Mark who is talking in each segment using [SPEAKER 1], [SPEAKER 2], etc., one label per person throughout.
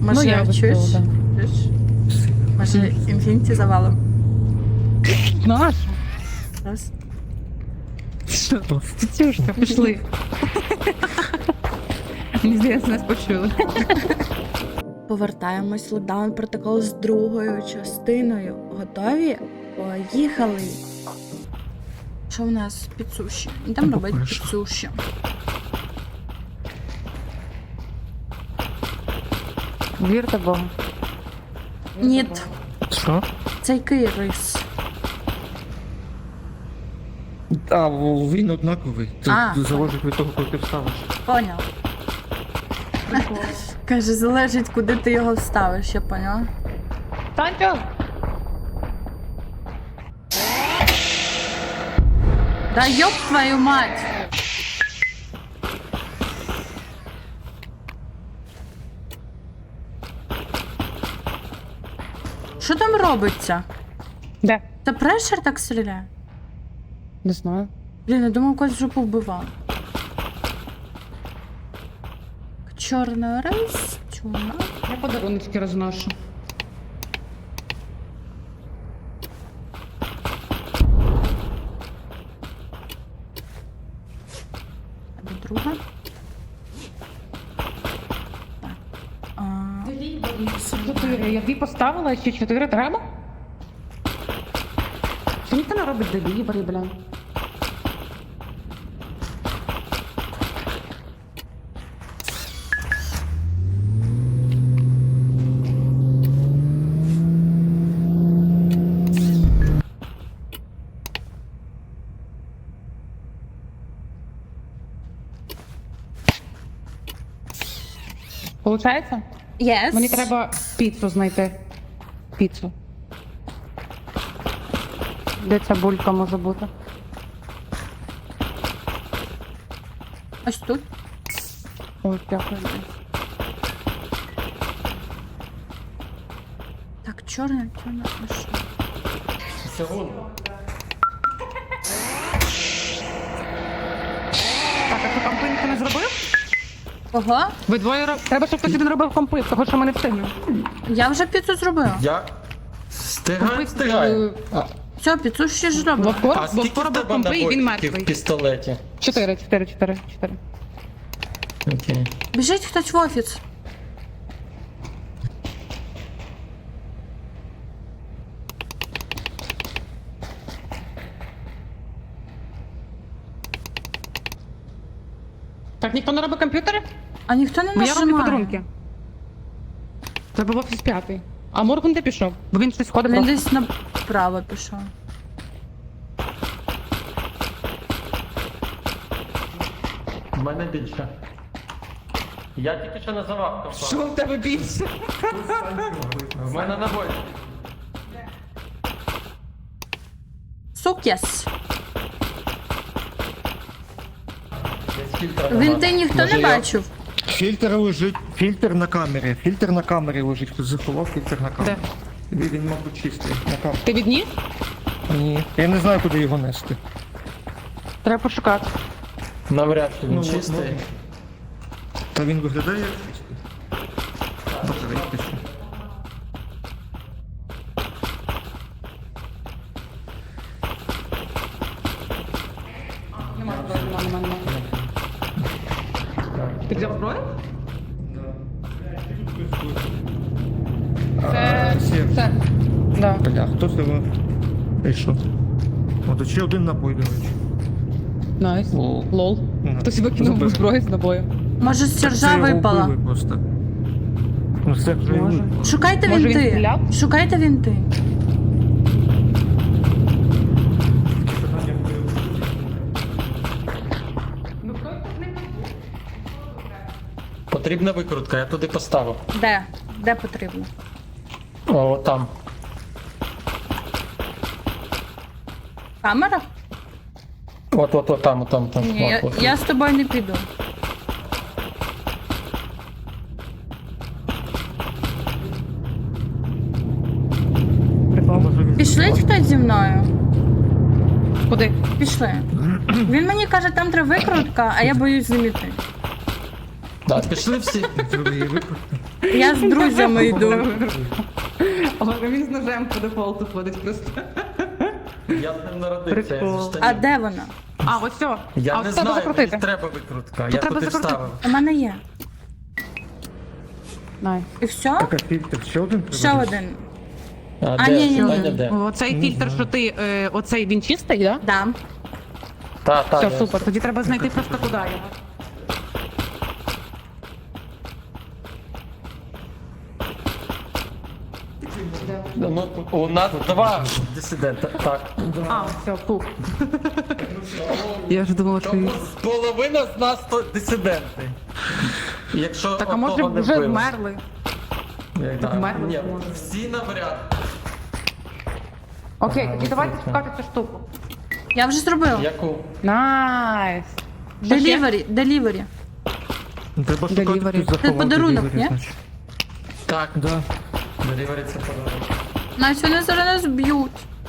[SPEAKER 1] Може,
[SPEAKER 2] я би
[SPEAKER 1] чуєш?
[SPEAKER 2] сказала,
[SPEAKER 1] Чуєш? Може, інфініті завалом?
[SPEAKER 2] Наш?
[SPEAKER 1] Раз.
[SPEAKER 2] Що? Тетюшка, пішли. Мені здається, нас почули.
[SPEAKER 1] Повертаємось в локдаун протокол з другою частиною. Готові? Поїхали! Що в нас під суші? Йдемо робити під суші.
[SPEAKER 2] Вірте Богу.
[SPEAKER 1] Ні,
[SPEAKER 3] Що?
[SPEAKER 1] це який рис?
[SPEAKER 3] А, він однаковий. Це
[SPEAKER 1] А.
[SPEAKER 3] залежить від того, коли ти вставиш.
[SPEAKER 1] Поняв. Каже, залежить, куди ти його вставиш, я поняла.
[SPEAKER 2] Танька!
[SPEAKER 1] Да ёб твою мать! Що там робиться?
[SPEAKER 2] Де?
[SPEAKER 1] Та прешер так стріляє?
[SPEAKER 2] Не знаю.
[SPEAKER 1] Блін, я думав, когось вже повбивав. Чорний рис, чуна.
[SPEAKER 2] Я подарунки розношу.
[SPEAKER 1] А де друга? Так.
[SPEAKER 2] Чотири. Я дві поставила, ще 4 треба? Що ніхто не робить делібері, бля? Получається?
[SPEAKER 1] Yes.
[SPEAKER 2] Мені треба піцу знайти. Піцу. Де ця булька може бути?
[SPEAKER 1] Ось тут.
[SPEAKER 2] Ой, дякую.
[SPEAKER 1] Так, чорний, а що?
[SPEAKER 3] Це он.
[SPEAKER 2] Так, а що компи ніхто не зробив?
[SPEAKER 1] Ого,
[SPEAKER 2] Ви двоє треба, щоб хтось один робив компи, того що ми не встигнемо.
[SPEAKER 1] я вже піцу зробила.
[SPEAKER 3] Я стигаю.
[SPEAKER 1] Все, піцу ще ж робила.
[SPEAKER 3] А скільки
[SPEAKER 2] Вовко
[SPEAKER 3] в
[SPEAKER 2] робив
[SPEAKER 3] тебе
[SPEAKER 2] компи і він
[SPEAKER 3] набоїв в
[SPEAKER 2] мертвий.
[SPEAKER 3] пістолеті?
[SPEAKER 2] 4.
[SPEAKER 3] Окей.
[SPEAKER 1] Біжить хтось в офіс.
[SPEAKER 2] Так, ніхто не робить комп'ютери?
[SPEAKER 1] А ніхто не
[SPEAKER 2] Бо я роблю
[SPEAKER 1] нажимає.
[SPEAKER 2] подарунки. Треба в офіс 5. А Морган де пішов? Бо він щось ходить.
[SPEAKER 1] Він
[SPEAKER 2] просто.
[SPEAKER 1] десь направо пішов.
[SPEAKER 3] У мене більше. Я тільки що називав компанію.
[SPEAKER 2] Що в тебе більше?
[SPEAKER 3] В мене набой.
[SPEAKER 1] Сук'яс.
[SPEAKER 3] Десь фільтра
[SPEAKER 1] Він
[SPEAKER 3] нема.
[SPEAKER 1] ти ніхто
[SPEAKER 3] Може,
[SPEAKER 1] не
[SPEAKER 3] я-
[SPEAKER 1] бачив.
[SPEAKER 3] Фільтр лежить, фільтр на камері лежить. Хтось заховав фільтр на камері. Він, мабуть, чистий. На камері.
[SPEAKER 2] Ти відніс?
[SPEAKER 3] Ні. Я не знаю, куди його нести.
[SPEAKER 2] Треба пошукати.
[SPEAKER 3] Навряд чи він
[SPEAKER 2] Ну,
[SPEAKER 3] чистий. Та він виглядає як чистий. Батарейки ще.
[SPEAKER 2] Нема. Ти взяв зброю? Це. Да.
[SPEAKER 3] Бля, хто з тебе прийшов? От ще один набой, до речі.
[SPEAKER 2] Найс.
[SPEAKER 3] Лол.
[SPEAKER 2] Лол.
[SPEAKER 3] Ага.
[SPEAKER 2] Хтось викинув
[SPEAKER 3] Забери.
[SPEAKER 2] зброю з набою.
[SPEAKER 1] Може, з
[SPEAKER 3] Це
[SPEAKER 1] сержа
[SPEAKER 3] його
[SPEAKER 1] випала.
[SPEAKER 3] вбили просто. Ну це вже
[SPEAKER 2] Може.
[SPEAKER 3] випало.
[SPEAKER 1] Шукайте
[SPEAKER 2] Може, він
[SPEAKER 1] вінти.
[SPEAKER 2] стріляв?
[SPEAKER 1] Шукайте вінти.
[SPEAKER 3] Потрібна викрутка, я туди поставив.
[SPEAKER 1] Де? Де потрібно?
[SPEAKER 3] О, там.
[SPEAKER 1] Камера?
[SPEAKER 3] От, там.
[SPEAKER 1] Ні,
[SPEAKER 3] От.
[SPEAKER 1] я з тобою не піду.
[SPEAKER 2] Прикол.
[SPEAKER 1] Пішліть хтось зі мною.
[SPEAKER 2] Куди?
[SPEAKER 1] Пішли. Він мені каже, там треба викрутка, а я боюсь заміти.
[SPEAKER 3] Да, пішли всі.
[SPEAKER 4] Треба її викрутити.
[SPEAKER 1] Я з друзями йду.
[SPEAKER 2] Але він з ножем по дефолту ходить просто.
[SPEAKER 4] Я з ним народився, я
[SPEAKER 2] Прикол.
[SPEAKER 4] зі
[SPEAKER 1] А
[SPEAKER 4] штанів.
[SPEAKER 1] де вона?
[SPEAKER 2] А, ось все.
[SPEAKER 4] Я
[SPEAKER 2] А
[SPEAKER 4] не
[SPEAKER 2] ось треба
[SPEAKER 4] знаю,
[SPEAKER 2] закрутити.
[SPEAKER 4] мені треба викрутка.
[SPEAKER 2] Тут
[SPEAKER 4] Я
[SPEAKER 2] треба
[SPEAKER 4] туди
[SPEAKER 2] закрутити.
[SPEAKER 4] вставив.
[SPEAKER 1] У мене є.
[SPEAKER 2] Най.
[SPEAKER 1] І все?
[SPEAKER 3] Так, а фільтр ще один треба?
[SPEAKER 1] Ще один.
[SPEAKER 4] А,
[SPEAKER 1] ні,
[SPEAKER 4] де?
[SPEAKER 1] ні, ні.
[SPEAKER 4] Таня, де?
[SPEAKER 2] Оцей фільтр, що ти, оцей він чистий, да?
[SPEAKER 1] Да.
[SPEAKER 4] Та,
[SPEAKER 2] Все,
[SPEAKER 4] я-
[SPEAKER 2] супер. Тоді треба знайти просто куди його.
[SPEAKER 4] Ну, у нас два дисидента. Так.
[SPEAKER 2] А, все, фух. Я ж думала, що...
[SPEAKER 4] Тому половина з нас то дисиденти. Якщо
[SPEAKER 2] Так, а може
[SPEAKER 4] одного не
[SPEAKER 2] вже
[SPEAKER 4] вбили.
[SPEAKER 2] вмерли?
[SPEAKER 4] Так,
[SPEAKER 2] вмерли,
[SPEAKER 4] ні,
[SPEAKER 2] може.
[SPEAKER 4] всі навряд.
[SPEAKER 2] Окей, тоді давайте шукати цю штуку.
[SPEAKER 1] Я вже зробила.
[SPEAKER 4] Яку?
[SPEAKER 2] Найс. Що ще?
[SPEAKER 1] Делівері, делівері.
[SPEAKER 3] Треба шукати
[SPEAKER 2] Delivery.
[SPEAKER 3] тут заховати
[SPEAKER 1] подарунок,
[SPEAKER 3] delivery,
[SPEAKER 1] ні?
[SPEAKER 3] значить.
[SPEAKER 4] Так.
[SPEAKER 3] Да.
[SPEAKER 4] Делівері це подарунок.
[SPEAKER 1] Настя, вони зараз нас б'ють.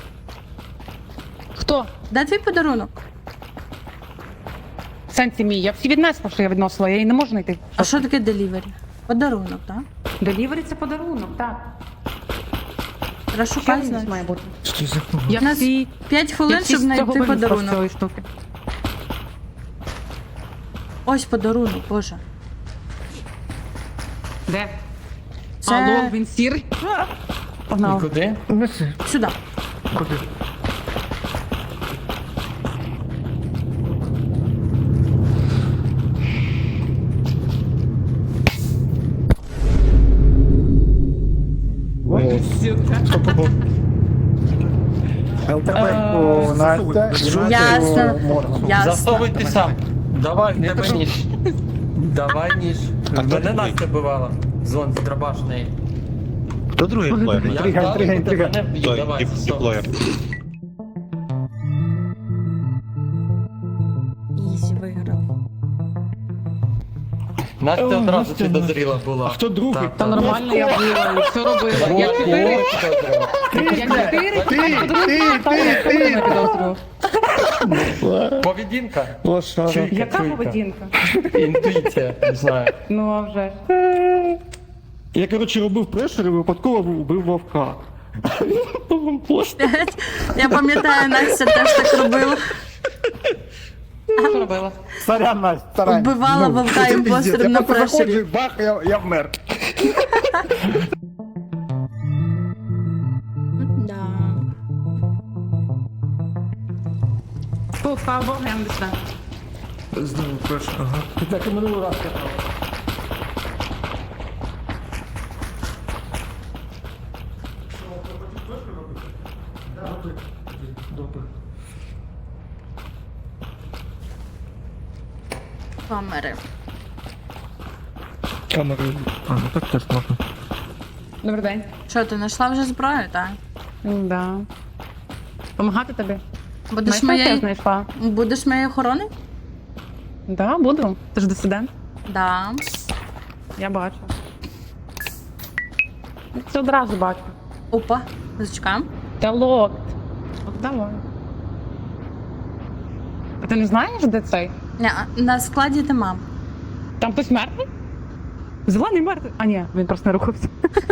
[SPEAKER 2] Хто?
[SPEAKER 1] Де твій подарунок?
[SPEAKER 2] В сенсі мій. Я всі віднесла, що я відносила, я її не можу знайти.
[SPEAKER 1] А що таке делівері? Подарунок, так?
[SPEAKER 2] Делівері це подарунок, так.
[SPEAKER 1] Розшукай,
[SPEAKER 2] Що
[SPEAKER 1] значить.
[SPEAKER 2] має бути?
[SPEAKER 3] Що за кого?
[SPEAKER 2] Я
[SPEAKER 1] нас
[SPEAKER 2] всі...
[SPEAKER 1] 5 хвилин,
[SPEAKER 2] я всі
[SPEAKER 1] щоб
[SPEAKER 2] з цього
[SPEAKER 1] знайти
[SPEAKER 2] винесла з
[SPEAKER 1] подарунок.
[SPEAKER 2] цієї штуки.
[SPEAKER 1] Ось подарунок, боже.
[SPEAKER 2] Де?
[SPEAKER 1] Це-
[SPEAKER 2] Алло, він сірий.
[SPEAKER 4] І
[SPEAKER 2] Погнав.
[SPEAKER 4] куди?
[SPEAKER 3] Неси.
[SPEAKER 1] Сюди.
[SPEAKER 3] Куди?
[SPEAKER 5] ЛТП Настя і
[SPEAKER 1] Ясно.
[SPEAKER 5] Настю Морган.
[SPEAKER 1] Ясно.
[SPEAKER 4] Засовуйте сам. Давай, в тебе ніж. Давай ніж. Мене Настя бивала. Зон драбашний.
[SPEAKER 6] Хто другий плеєр?
[SPEAKER 4] Я
[SPEAKER 5] Інтрига,
[SPEAKER 4] вдарив,
[SPEAKER 5] інтрига, інтрига.
[SPEAKER 4] мене б'є.
[SPEAKER 6] Той,
[SPEAKER 4] Давай, стоп.
[SPEAKER 6] плеєр.
[SPEAKER 1] Ізі виграв.
[SPEAKER 4] Настя
[SPEAKER 3] О,
[SPEAKER 4] одразу
[SPEAKER 3] Настя,
[SPEAKER 4] підозріла була.
[SPEAKER 3] А хто другий?
[SPEAKER 4] Так,
[SPEAKER 2] Та
[SPEAKER 4] так.
[SPEAKER 2] нормально я була, і все робила. Я 4. Я 4.
[SPEAKER 4] Поведінка.
[SPEAKER 3] Лошара.
[SPEAKER 4] Чуйка,
[SPEAKER 2] Яка
[SPEAKER 4] чуйка.
[SPEAKER 2] поведінка?
[SPEAKER 4] Інтуїція, не знаю.
[SPEAKER 2] Ну, а вже ж.
[SPEAKER 3] Я, коротше, робив прешер і випадково вбив вовка.
[SPEAKER 1] Я пам'ятаю, Настя теж так робила.
[SPEAKER 2] Що робила?
[SPEAKER 5] Сорян, Настя, сорян.
[SPEAKER 1] Вбивала вовка
[SPEAKER 5] це
[SPEAKER 1] імпостером
[SPEAKER 5] пиздець.
[SPEAKER 1] на
[SPEAKER 5] Я просто
[SPEAKER 1] прешері.
[SPEAKER 5] заходжу, і бах, я вмер.
[SPEAKER 1] Да.
[SPEAKER 2] Тут, слава Богу, я не дійшла.
[SPEAKER 3] Знову прешер, ага.
[SPEAKER 5] Ти так і минулий раз казав.
[SPEAKER 3] Добре.
[SPEAKER 1] Камери.
[SPEAKER 3] Камери. А, ну так теж можна.
[SPEAKER 2] Добрий день.
[SPEAKER 1] Що, ти знайшла вже зброю, так?
[SPEAKER 2] Да. Помагати тобі?
[SPEAKER 1] Будеш
[SPEAKER 2] Знаєш, як я
[SPEAKER 1] моєю
[SPEAKER 2] знайшла?
[SPEAKER 1] будеш моєю охороною?
[SPEAKER 2] Да, буду. Ти ж дисидент.
[SPEAKER 1] Да.
[SPEAKER 2] Я бачу. Я це одразу бачу.
[SPEAKER 1] Опа, зачекаємо.
[SPEAKER 2] Та локт. От давай. А ти не знаєш, де цей?
[SPEAKER 1] Ні, на складі нема.
[SPEAKER 2] Там хтось мертвий? Зелений мертвий? А ні, він просто не рухався.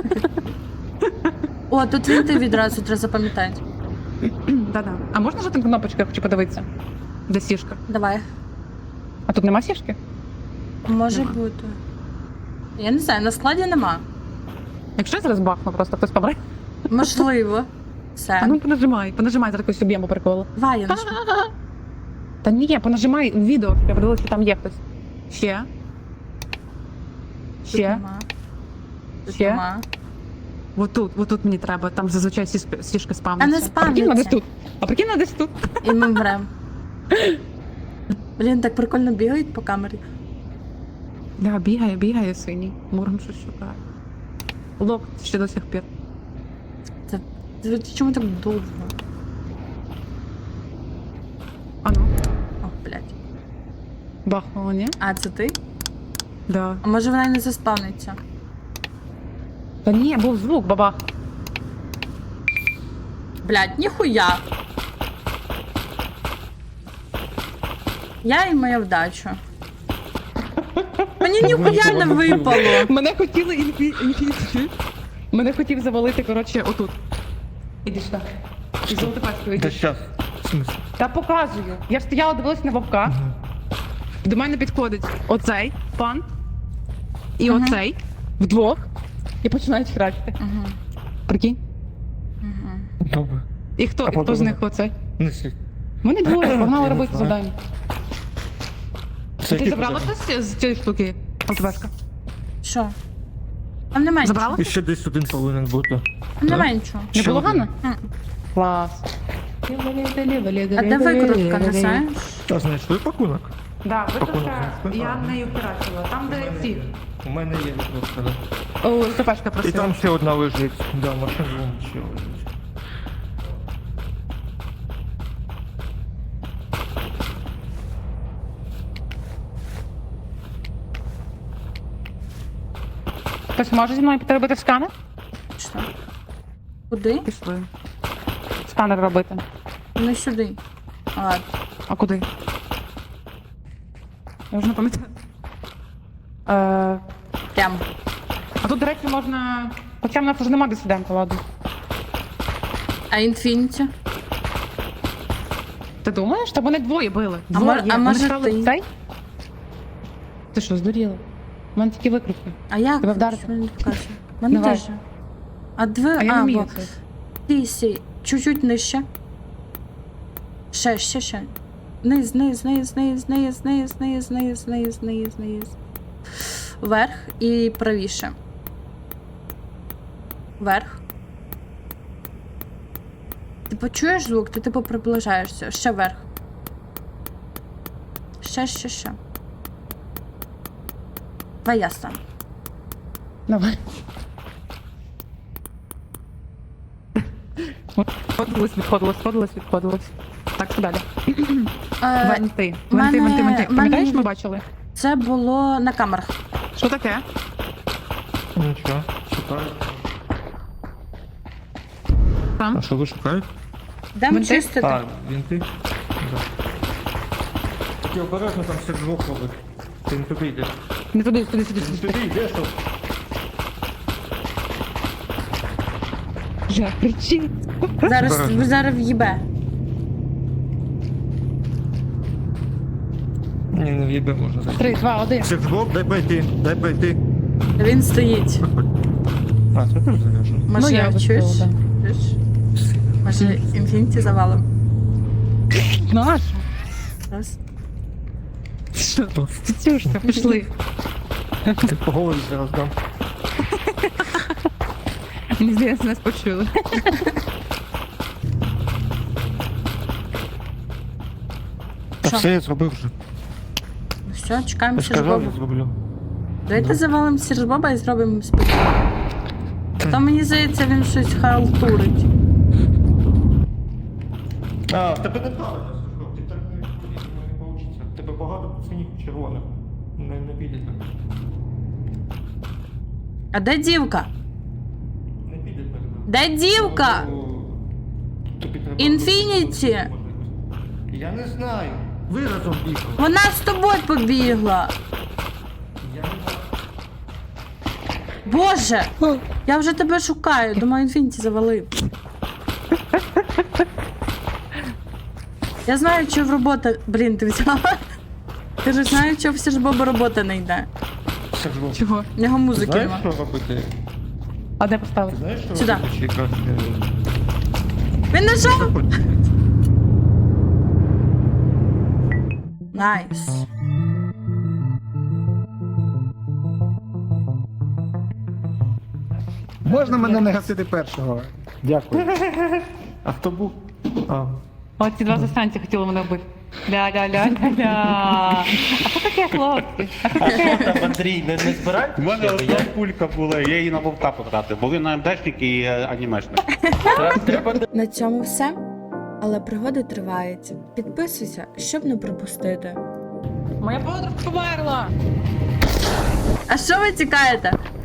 [SPEAKER 1] О, тут він ти відразу треба запам'ятати.
[SPEAKER 2] Да-да. А можна жати кнопочку, я хочу подивитися? Де сішка?
[SPEAKER 1] Давай.
[SPEAKER 2] А тут нема сішки?
[SPEAKER 1] Може бути. Я не знаю, на складі нема.
[SPEAKER 2] Якщо я зараз бахну, просто хтось помре.
[SPEAKER 1] Можливо.
[SPEAKER 2] А
[SPEAKER 1] Все.
[SPEAKER 2] ну понажимай зараз якусь об'єму приколу.
[SPEAKER 1] Давай, я нажму.
[SPEAKER 2] Та ні, понажимай в відео, щоб я подивилася, що там є хтось. Ще.
[SPEAKER 1] Тут
[SPEAKER 2] Ще.
[SPEAKER 1] нема. Тут
[SPEAKER 2] Ще?
[SPEAKER 1] нема.
[SPEAKER 2] Отут мені треба, там зазвичай сішки спавняться.
[SPEAKER 1] А не
[SPEAKER 2] А прикинь, вона
[SPEAKER 1] спавняться.
[SPEAKER 2] десь тут. А прикинь, вона десь тут.
[SPEAKER 1] І ми вмрем. Блін, так прикольно бігають по камері.
[SPEAKER 2] Да, бігає синій. Муром щось шукає. Лок ще до сих пір.
[SPEAKER 1] Це чому так довго?
[SPEAKER 2] А ну,
[SPEAKER 1] О, блядь.
[SPEAKER 2] бахнуло, ні?
[SPEAKER 1] А, це ти?
[SPEAKER 2] Да.
[SPEAKER 1] А може вона й не заспавниться?
[SPEAKER 2] Та ні, був звук, бабах.
[SPEAKER 1] Блядь, ніхуя. Я і моя вдача. Мені ніхуя не випало.
[SPEAKER 2] Мене хотіли інфіцію. Мене хотів завалити, коротше, отут. Іди сюди. І золоте пачку,
[SPEAKER 3] Та
[SPEAKER 2] іди.
[SPEAKER 3] щас. В смысле?
[SPEAKER 2] Та показую. Я стояла, дивилась на вовка. До мене підходить оцей пан і оцей вдвох. І починають храчити. Прикинь?
[SPEAKER 3] Добре.
[SPEAKER 2] І хто з
[SPEAKER 3] потім-
[SPEAKER 2] них оцей?
[SPEAKER 3] Неси.
[SPEAKER 2] Вони двоє, погнали
[SPEAKER 3] Я не
[SPEAKER 2] робити
[SPEAKER 3] знаю.
[SPEAKER 2] завдання.
[SPEAKER 3] Це
[SPEAKER 2] Ти
[SPEAKER 3] які
[SPEAKER 2] забрала
[SPEAKER 3] подарунки?
[SPEAKER 2] щось з цієї штуки? ЛТБшка?
[SPEAKER 1] Що? Там немає
[SPEAKER 2] Забрала?
[SPEAKER 3] І ще десь один повинен бути.
[SPEAKER 1] нічого. Там немає нічого.
[SPEAKER 2] Не
[SPEAKER 3] Ще
[SPEAKER 2] було
[SPEAKER 3] один.
[SPEAKER 2] Ганна? Клас.
[SPEAKER 1] А де викрутка, не знаєш?
[SPEAKER 3] Та знайшли пакунок?
[SPEAKER 2] Да,
[SPEAKER 3] Пакунок
[SPEAKER 2] викрутка,
[SPEAKER 3] знайшли?
[SPEAKER 2] я нею втратила. Там, де ці.
[SPEAKER 3] У мене є просто.
[SPEAKER 2] О, ЛТБшка
[SPEAKER 3] І
[SPEAKER 2] просила.
[SPEAKER 3] там ще одна лежить. Да, машина ще лежить.
[SPEAKER 2] Хтось може зі мною піти робити сканер?
[SPEAKER 1] Що? Куди?
[SPEAKER 2] Пішли. Сканер робити.
[SPEAKER 1] Не сюди. Ладно.
[SPEAKER 2] А куди? Я вже не пам'ятаю.
[SPEAKER 1] Прям.
[SPEAKER 2] А тут, до речі, можна... Хоча в нас вже нема дисидента, ладно.
[SPEAKER 1] А інфініті?
[SPEAKER 2] Ти думаєш? Та вони двоє били.
[SPEAKER 1] А
[SPEAKER 2] Двоє.
[SPEAKER 1] мож- а
[SPEAKER 2] Вони
[SPEAKER 1] може
[SPEAKER 2] стали
[SPEAKER 1] ти?
[SPEAKER 2] цей? Ти що, здуріла? У мене тільки викрутки.
[SPEAKER 1] А як?
[SPEAKER 2] Тебе вдарити?
[SPEAKER 1] Що мені покаже? Мене
[SPEAKER 2] Давай.
[SPEAKER 1] теж. А дві...
[SPEAKER 2] А я не вмію
[SPEAKER 1] бо...
[SPEAKER 2] це.
[SPEAKER 1] Сі. Чуть-чуть нижче. Ще. Низ. Вверх і правіше. Вверх. Ти почуєш звук, ти типу приближаєшся. Ще вверх. Ще. Давай я стану.
[SPEAKER 2] Давай. Відходилось. Так, що далі? Венти. Пам'ятаєш, ми бачили?
[SPEAKER 1] Це було на камерах.
[SPEAKER 2] Що таке?
[SPEAKER 3] Нічого, шукаю.
[SPEAKER 2] Там?
[SPEAKER 3] А що ви шукаєте?
[SPEAKER 1] Йдемо
[SPEAKER 2] Винти?
[SPEAKER 1] чистити.
[SPEAKER 3] А, вінти? Да. Ти обережно там все двох робить. Ти не туди йдеш.
[SPEAKER 2] Не туди.
[SPEAKER 3] Ти не туди йдеш, то
[SPEAKER 2] Я кричи.
[SPEAKER 1] Зараз в'їбе.
[SPEAKER 3] ні, не в'їбе можна зайти.
[SPEAKER 2] 3, 2, 1.
[SPEAKER 3] Все двох, дай пройти.
[SPEAKER 1] Він стоїть.
[SPEAKER 3] А, це теж заряджено.
[SPEAKER 1] Може,
[SPEAKER 2] Ну, я
[SPEAKER 1] чуєш?
[SPEAKER 2] виставила,
[SPEAKER 1] Чуєш? Може, інфініті завалом.
[SPEAKER 2] Наш.
[SPEAKER 1] Раз.
[SPEAKER 2] Що? Тетюшка, пішли.
[SPEAKER 3] Ти по голові зараз дам.
[SPEAKER 2] Мені здається, нас почули.
[SPEAKER 3] Та
[SPEAKER 1] Що?
[SPEAKER 3] все я зробив вже.
[SPEAKER 1] Ну все, чекаємо
[SPEAKER 3] Я сказав,
[SPEAKER 1] Сіржбоба.
[SPEAKER 3] я зроблю.
[SPEAKER 1] Давайте завалимо Сіржбоба і зробимо спектакль. То мені здається, він щось халтурить.
[SPEAKER 3] А, в тебе неправильно, Сашко, ти так не вийде, в тебе багато пацанів червоних. Не піде так.
[SPEAKER 1] А де дівка?
[SPEAKER 3] Не піде так.
[SPEAKER 1] Де дівка?
[SPEAKER 3] Тобі треба...
[SPEAKER 1] Інфініті!
[SPEAKER 3] Я не знаю. Ви разом бігали.
[SPEAKER 1] Вона з тобою побігла.
[SPEAKER 3] Я не знаю.
[SPEAKER 1] Боже! Я вже тебе шукаю. Думаю, інфініті завалив. Я знаю, що в робота... Блін, ти взяла? Ти ж знаєш, що в Сіржбоба робота не йде.
[SPEAKER 3] Сашко,
[SPEAKER 2] Чого?
[SPEAKER 1] В нього
[SPEAKER 3] ти
[SPEAKER 1] музики
[SPEAKER 3] знаєш,
[SPEAKER 1] нема.
[SPEAKER 3] що робити?
[SPEAKER 2] А де
[SPEAKER 3] Ти
[SPEAKER 2] поставити?
[SPEAKER 3] знаєш, що
[SPEAKER 1] Сюди.
[SPEAKER 3] робити? Чи якраз...
[SPEAKER 1] Він знайшов! Найс.
[SPEAKER 5] Можна мене не гасити першого? Дякую.
[SPEAKER 3] А хто був? А,
[SPEAKER 2] От ці два застанці хотіли мене вбити. Ля-ля-ля-ля-ля. А що таке, хлопці? А що таке?
[SPEAKER 4] Там, Андрій, не збирай?
[SPEAKER 6] У мене одна пулька була, я її на вовка потратив. Були на МДшник і анімешник.
[SPEAKER 4] Треба
[SPEAKER 1] На цьому все. Але пригоди тривають. Підписуйся, щоб не пропустити.
[SPEAKER 2] Моя подруга померла.
[SPEAKER 1] А що ви тікаєте?